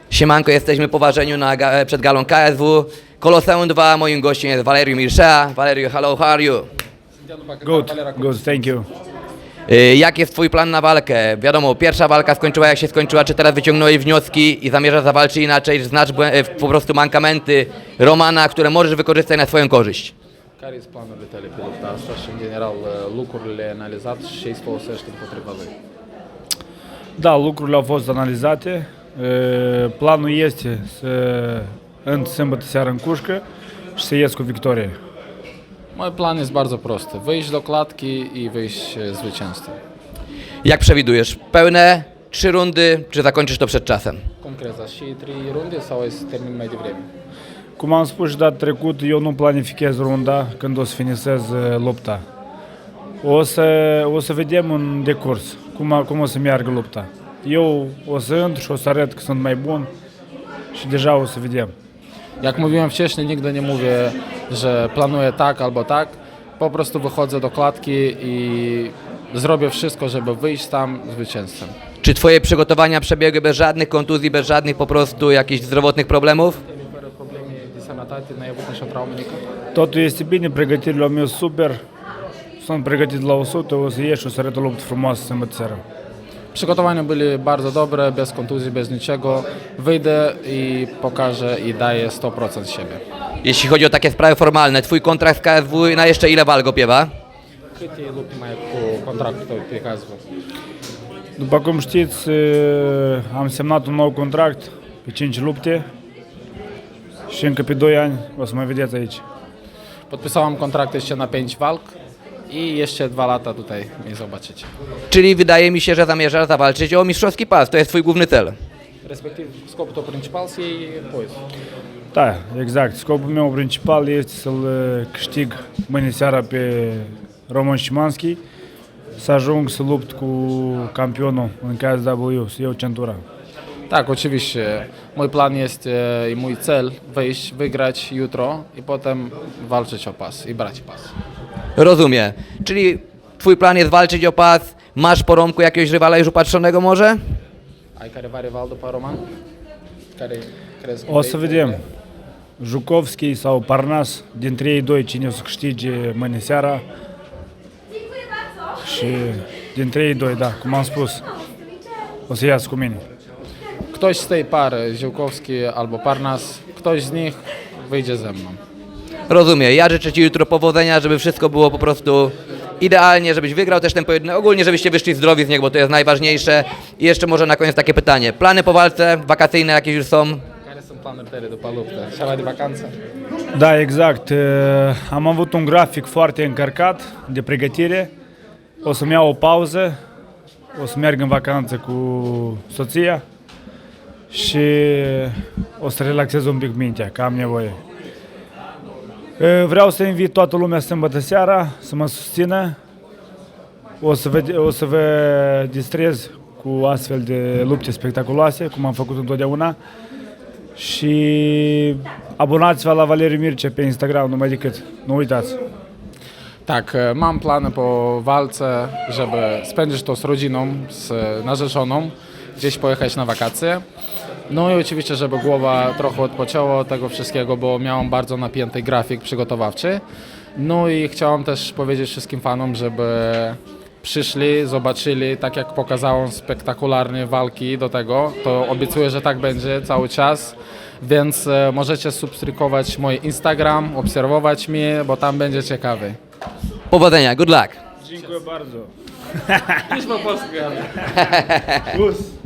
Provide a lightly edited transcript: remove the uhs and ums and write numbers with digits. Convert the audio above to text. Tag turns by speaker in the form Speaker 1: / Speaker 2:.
Speaker 1: Siemanko, jesteśmy po ważeniu przed galą KSW. Koloseum 2, moim gościem jest Valeriu Mircea. Valeriu, hello, how are you?
Speaker 2: Good, good, thank you.
Speaker 1: Jak jest twój plan na walkę? Wiadomo, pierwsza walka skończyła jak się skończyła, czy teraz wyciągnąłeś wnioski i zamierzasz zawalczyć inaczei, znasz po prostu mankamenty Romana, które możesz wykorzystać na swoją korzyść?
Speaker 3: Care este planul tale pe lupta asta și, în general, lucrurile analizate și ce îți folosești împotriva lui?
Speaker 2: Da, lucrurile au fost analizate. Planul este să în sâmbătă seara în Cușcă și să ies cu victorie.
Speaker 3: Mój plan jest bardzo prosty. Wyjść do klatki i wyjść zwycięzcą.
Speaker 1: Jak przewidujesz? Pełne 3 rundy, czy zakończysz to przed czasem?
Speaker 3: Cum crezi? Și 3 runde sau ai să termin mai devreme?
Speaker 2: Cum am spus și data trecută, eu nu planifichez runda când o să finisez lupta. O să vedem în decurs cum o să meargă lupta. Eu o să intru și o să arăt că sunt mai bun și deja o să vedem.
Speaker 3: Jak mówiłem wcześniej, nigdy nie mówię, że planuję tak albo tak. Po prostu wychodzę do klatki i zrobię wszystko, żeby wyjść tam zwycięzcą.
Speaker 1: Czy twoje przygotowania przebiegły bez żadnych kontuzji, bez żadnych po prostu jakichś zdrowotnych problemów?
Speaker 3: Fără probleme de sănătate, n-ai avut nicio traumă nică?
Speaker 2: Totul este bine, pregătirile au mers super. Sunt pregătit la 100, o să ieși și o să arăt o luptă frumoasă sâmbătă seara.
Speaker 3: Przygotowania były bardzo dobre, bez kontuzji, bez niczego. Wyjdę i pokażę i daję 100% siebie.
Speaker 1: Jeśli chodzi o takie sprawy formalne, twój kontrakt z KSW na jeszcze ile walk opiewa?
Speaker 3: Câte lupte mai ai cu contractul tău pe KSW?
Speaker 2: După cum știți, am semnat un nou contract pe 5 lupte și încă pe 2 ani o să mă vedeți aici.
Speaker 3: Podpisałem kontrakt jeszcze na 5 walk i jeszcze 2 lata tutaj mnie zobaczycie.
Speaker 1: Czyli wydaje mi się, że zamierzasz zawalczyć o mistrzowski pas, to jest twój główny cel.
Speaker 3: Respectiv, scopul tău principal să iei poiz.
Speaker 2: Da, exact. Scopul meu principal este să-l câștig mâine seara pe Roman Szymanski, să ajung să lupt cu campionul în KSW, să iau centura.
Speaker 3: Tak, oczywiście. Mój plan jest i mój cel wyjść, wygrać jutro i potem walczyć o pas i brać pas.
Speaker 1: Rozumiem. Czyli twój plan jest walczyć o pas, masz po Romku jakiegoś rywala już upatrzonego może?
Speaker 3: Ai careva rival după Roman? Care crezi că
Speaker 2: O să vedem. Jukovski sau Parnas, dintre ei doi cine o să câștige mâine seara. Și dintre ei doi, da, cum am spus, o să iasă cu mine.
Speaker 3: Ktoś z tej pary, Ziółkowski albo Parnas, ktoś z nich wyjdzie ze mną.
Speaker 1: Rozumiem. Ja życzę ci jutro powodzenia, żeby wszystko było po prostu idealnie, żebyś wygrał też ten pojedynek. Ogólnie, żebyście wyszli zdrowi z niego, bo to jest najważniejsze. I jeszcze może na koniec takie pytanie. Plany po walce, wakacyjne jakieś już są?
Speaker 3: Care sunt planurile tale după luptă? Ceva de vacanță?
Speaker 2: Da, exact. Am avut un grafic foarte încărcat de pregătire. O să-mi iau o pauză, o să merg în vacanță cu soția și o să relaxez un pic mintea, că am nevoie. Vreau să invit toată lumea sâmbătă seara să mă susțină. O să vă distrez cu astfel de lupte spectaculoase, cum am făcut întotdeauna. Și abonați-vă la Valeriu Mircea pe Instagram, numai decât. Nu uitați.
Speaker 3: Tak, mam plany po walce, żeby spędzić to z rodziną, z narzeczoną, gdzieś pojechać na wakacje. No i oczywiście, żeby głowa trochę odpoczęła od tego wszystkiego, bo miałem bardzo napięty grafik przygotowawczy. No i chciałem też powiedzieć wszystkim fanom, żeby przyszli, zobaczyli, tak jak pokazałem spektakularne walki do tego, to obiecuję, że tak będzie cały czas. Więc możecie subskrybować mój Instagram, obserwować mnie, bo tam będzie ciekawy.
Speaker 1: Powodzenia, good luck.
Speaker 2: Dziękuję bardzo.
Speaker 3: Niż po polsku.
Speaker 2: Plus.